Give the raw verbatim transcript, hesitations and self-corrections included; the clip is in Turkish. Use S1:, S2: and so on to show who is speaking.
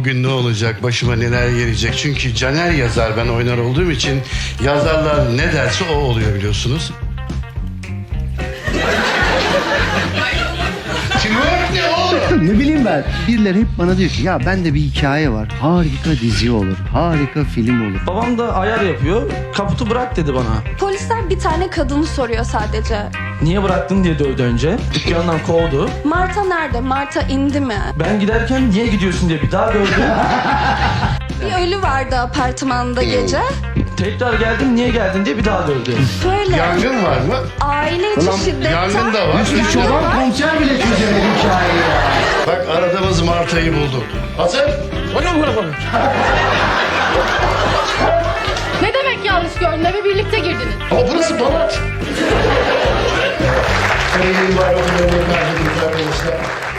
S1: bugün ne olacak, başıma neler gelecek. Çünkü Caner yazar, ben oynar olduğum için yazarlar ne derse o oluyor biliyorsunuz. Teamwork ne oğlum?
S2: Ne bileyim ben. Birileri hep bana diyor ki ya bende bir hikaye var. Harika dizi olur. Harika film olur.
S3: Babam da ayar yapıyor. Kaputu bırak dedi bana.
S4: Polisler bir tane kadını soruyor sadece.
S3: Niye bıraktın diye dövdü önce. Dükkandan kovdu.
S4: Marta nerede? Marta indi mi?
S3: Ben giderken niye gidiyorsun diye bir daha dövdü.
S4: Bir ölü vardı apartmanda gece.
S3: Tekrar geldim niye geldin diye bir daha dövdü.
S4: Böyle
S1: Yangın var mı?
S4: aile içi şiddetten...
S1: yangın da var.
S4: Yangın
S2: Çoban
S4: var.
S2: komiser bile çözemedi hikayeyi ya.
S1: Bak aradığımız Marta'yı bulduk. Hazır?
S5: Ne demek yanlış gördün? Eve birlikte girdiniz.
S1: Ama burası Balat. Sayın var, okullarını verdik arkadaşlar.